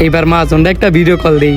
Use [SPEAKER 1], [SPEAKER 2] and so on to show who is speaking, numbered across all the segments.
[SPEAKER 1] এবার মাজনটা একটা video call দেই।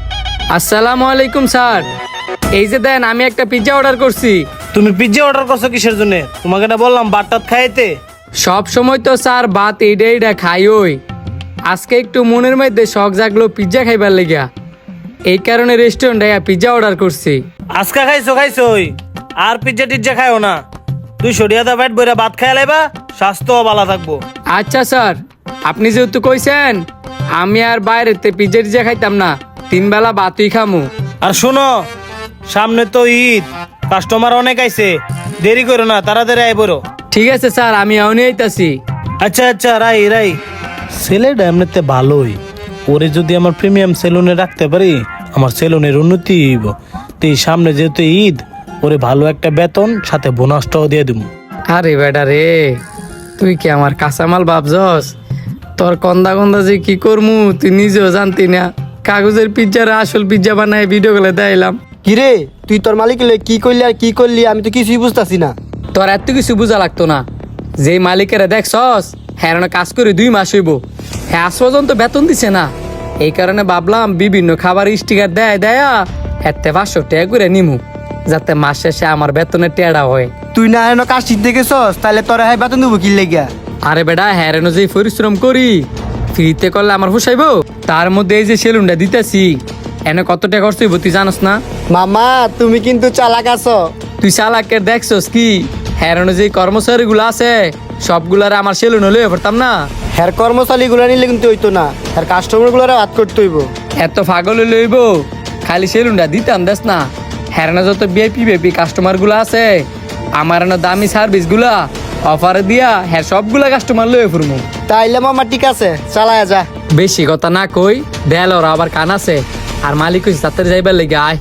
[SPEAKER 1] আসসালামু আলাইকুম স্যার, এই যে দেন আমি একটা পিৎজা অর্ডার করছি।
[SPEAKER 2] তুমি পিজ্জা অর্ডার করছো কিসের জন্য? তোমাকে না বললাম ভাত খাইতে।
[SPEAKER 1] সব সময় তো স্যার ভাত এইটা খাই ওই, আজকে একটু মনের মধ্যে শখ জাগলো পিৎজা খাইবার লেগা, এই কারণে রেস্টুরেন্টে পিৎজা অর্ডার করছি।
[SPEAKER 2] আজকা খাইছো ওই আর পিজ্জা টিজ্জা খাইও না। তুই সরিয়াদা পেট বইরা ভাত খাই লাইবা, স্বাস্থ্য ভালো থাকবো।
[SPEAKER 1] আচ্ছা স্যার, আপনি যেহেতু কইছেন আমি আর বাইরেতে পিৎজা টিজ্জা খাইতাম না, 3 বেলা ভাতই খামু।
[SPEAKER 2] আর শোনো, সামনে তো ঈদ, কাস্টমার অনেক আইছে, দেরি করো না, তাড়াতাড়ি আই বড়।
[SPEAKER 1] ঠিক আছে স্যার, আমি এখনই আইতাছি।
[SPEAKER 2] আচ্ছা রাই ছেলেটা এমনিতে ভালোই, ওরে যদি আমার প্রিমিয়াম সেলুনে রাখতে পারি আমার সেলুনের উন্নতি হইব। তো এই সামনে যেহেতু ঈদ, ওরে ভালো একটা বেতন সাথে বোনাসটাও দিয়ে দিব।
[SPEAKER 1] আরে বেটা রে, তুই কি আমার কাঁচামাল ভাবছস? তোর কন্দা যে কি করমু তুই নিজেও জানতি না। কাগজের পিৎজার আসল পিৎজা বানায় ভিডিও কলে দেখাইলাম।
[SPEAKER 3] কিরে তুই তোর মালিক কি করলি আর কি করলি আমি তো কিছুই বুঝতাছি না।
[SPEAKER 1] তোর এত কিছু বোঝা লাগতো না, যেই মালিকেরা দেখছস হ্যাঁ কাজ করে 2 মাস হইব, হ্যাঁ আজ পর্যন্ত বেতন দিছে না। এই কারণে ভাবলাম বিভিন্ন খাবার স্টিকার দেয়া এতে 500 টাকা করে নিমু, যাতে মাস শেষে আমার বেতনের টেড়া হয়।
[SPEAKER 3] তুই না হেন কাজ শিখতে গেছস তাহলে তোরা হ্যাঁ বেতন দেবো কি লেগিয়া?
[SPEAKER 1] আরে বেটা হ্যাঁ যে পরিশ্রম করি ফ্রিতে করলে আমার পোষাইব? তার মধ্যে এই যে সেলুনটা দিতেছি এনে কত টাকা খরচ হইব তুই জানোস না?
[SPEAKER 3] মামা তুমি কিন্তু চালাক আছো।
[SPEAKER 1] তুই চালাকের দেখছস কি? হ্যাঁ যে কর্মচারী গুলো আছে সবগুলারে আমার সেলুন হলে পড়তাম না।
[SPEAKER 3] হ্যার কর্মচারী গুলা নিলে কিন্তু হইতো না, হ্যার কাস্টমার গুলারে হাত করতে হইব।
[SPEAKER 1] এত পাগল লইব খালি সেলুনটা দিতাম দেখ না। হ্যাঁ যত বিআইপি কাস্টমার গুলো আছে আমার দামি সার্ভিস গুলা অফারে দিয়া হ্যাঁ সবগুলা কাস্টমার লয়ে ফুরমু।
[SPEAKER 3] তাইলে মামা ঠিক আছে, চালায়া যা।
[SPEAKER 1] বেশি কথা না কই দেয়াল ওরা আবার কান আছে, আর মালিক হইছে তাড়াতাড়ি যাইবার লেগে আয়।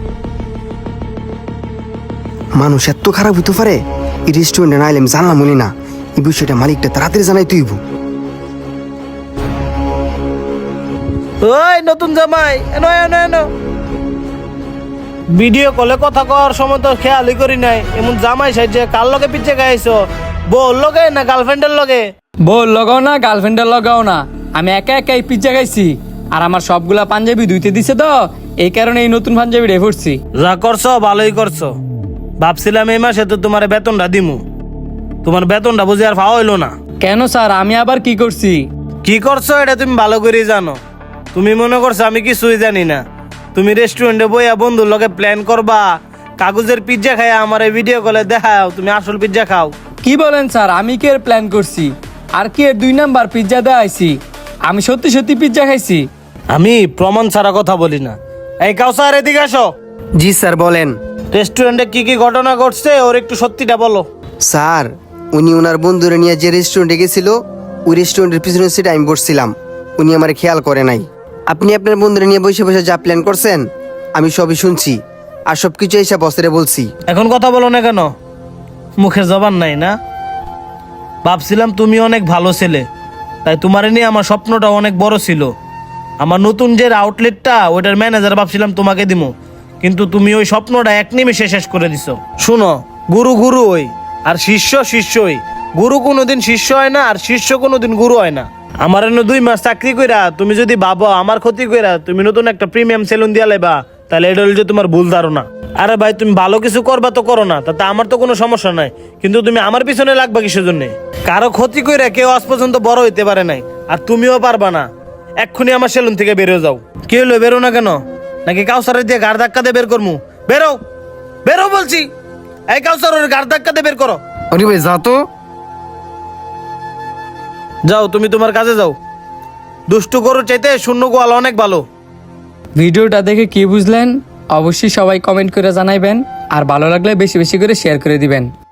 [SPEAKER 4] মানুষ এত খারাপ হইতে পারে? এই রেস্টুরেন্টে না এলে আমি জানলাম বলি না, এই বিষয়টা মালিকটা তাড়াতাড়ি জানাই তুইব।
[SPEAKER 2] ওই নতুন জামাই এনো ভিডিও কলে কথা কর সময় তো খেয়ালই করি নাই, এমন জামাই সাইজে কার লগে পিচ্ছে গাইছো? বউর লগে না গার্লফ্রেন্ডের লগে?
[SPEAKER 1] বল লাগাও না গার্লফ্রেন্ডের লাগাও না, আমি একাই পিজ্জা খাইছি, আর আমার সবগুলা পাঞ্জাবি ধুইতে দিছে তো এই কারণে এই নতুন পাঞ্জাবি রে পড়ছি।
[SPEAKER 2] যা করছো ভালোই করছো, ভাবছিলাম এই মাসে তো তোমার বেতনটা দিমু, তোমার বেতনটা বুঝি আর পাওয়া হইলো না।
[SPEAKER 1] কেন স্যার আমি আবার কি করছি?
[SPEAKER 2] কি করছো এটা তুমি ভালো করেই জানো। তুমি মনে করছো আমি কিছুই জানি না? তুমি রেস্টুরেন্টে বইয়া বন্ধুর লগে প্ল্যান করবা, কাগজের পিজ্জা খাই আমার এই ভিডিও কলে দেখাও তুমি আসল পিজ্জা খাও।
[SPEAKER 1] কি বলেন স্যার, আমি কি এর প্ল্যান করছি? আর কি এর 2 নাম্বার পিজ্জা দেখাইছি? আমি সত্যি পিজ্জা খাইছি।
[SPEAKER 2] আমি প্রমাণ ছাড়া কথা বলি না। এই কাউসার এদিকে আসো।
[SPEAKER 4] জি স্যার বলেন।
[SPEAKER 2] রেস্টুরেন্টে কি ঘটনা ঘটছে ওর একটু সত্যিটা বলো।
[SPEAKER 4] স্যার উনি ওনার বন্ধুরা নিয়ে যে রেস্টুরেন্টে গেছিল ওই রেস্টুরেন্টের পিছনের সিটে আমি বসছিলাম, উনি আমার খেয়াল করে নাই। আপনি আপনার বন্ধুরা নিয়ে বসে বসে যা প্ল্যান করছেন আমি সবই শুনছি, আর সবকিছু এসে বসরে বলছি।
[SPEAKER 2] এখন কথা বলো না কেন? মুখে জবান নাই না? ভাবছিলাম তুমি অনেক ভালো ছেলে, তাই তোমার নিয়ে আমার স্বপ্নটা অনেক বড় ছিল। আমার নতুন যে আউটলেটটা ওইটার ম্যানেজার ভাবছিলাম তোমাকে দিমু, কিন্তু তুমি ওই স্বপ্নটা 1 নিমেষে শেষ করে দিছো। শুনো, গুরু ওই আর শিষ্যই। গুরু কোনোদিন শিষ্য হয় না, আর শিষ্য কোনোদিন গুরু হয় না। আমার 2 মাস চাকরি কইরা তুমি যদি ভাবো আমার ক্ষতি কইরা তুমি নতুন একটা প্রিমিয়াম সেলুন দিয়া লাইবা, তাহলে এটা হলো যে তোমার ভুল ধারণা। আরে ভাই তুমি ভালো কিছু করবা তো করো না, তাতে আমার তো কোনো সমস্যা নাই, কিন্তু তুমি আমার পিছনে লাগবা কিসের জন্য? কারো ক্ষতি কইরা কেউ আজ পর্যন্ত বড় হইতে পারে নাই, আর তুমিও পারবা না। এক্ষুনি আমার সেলুন থেকে বেরো যাও। কি হলো, বেরো না কেন? নাকি কাউসারে দিয়ে গাড় ধাক্কা দিয়ে বের করমু? বেরো বলছি। এই কাউসার ওর গাড় ধাক্কা দিয়ে বের করো।
[SPEAKER 4] আরে ভাই যা তো।
[SPEAKER 2] যাও তুমি তোমার কাজে যাও। দুষ্টু গরু চাইতে শূন্য গোয়াল অনেক ভালো।
[SPEAKER 1] ভিডিওটা দেখে কি বুঝলেন অবশ্যই সবাই কমেন্ট করে জানাইবেন, আর ভালো লাগলে বেশি করে শেয়ার করে দিবেন।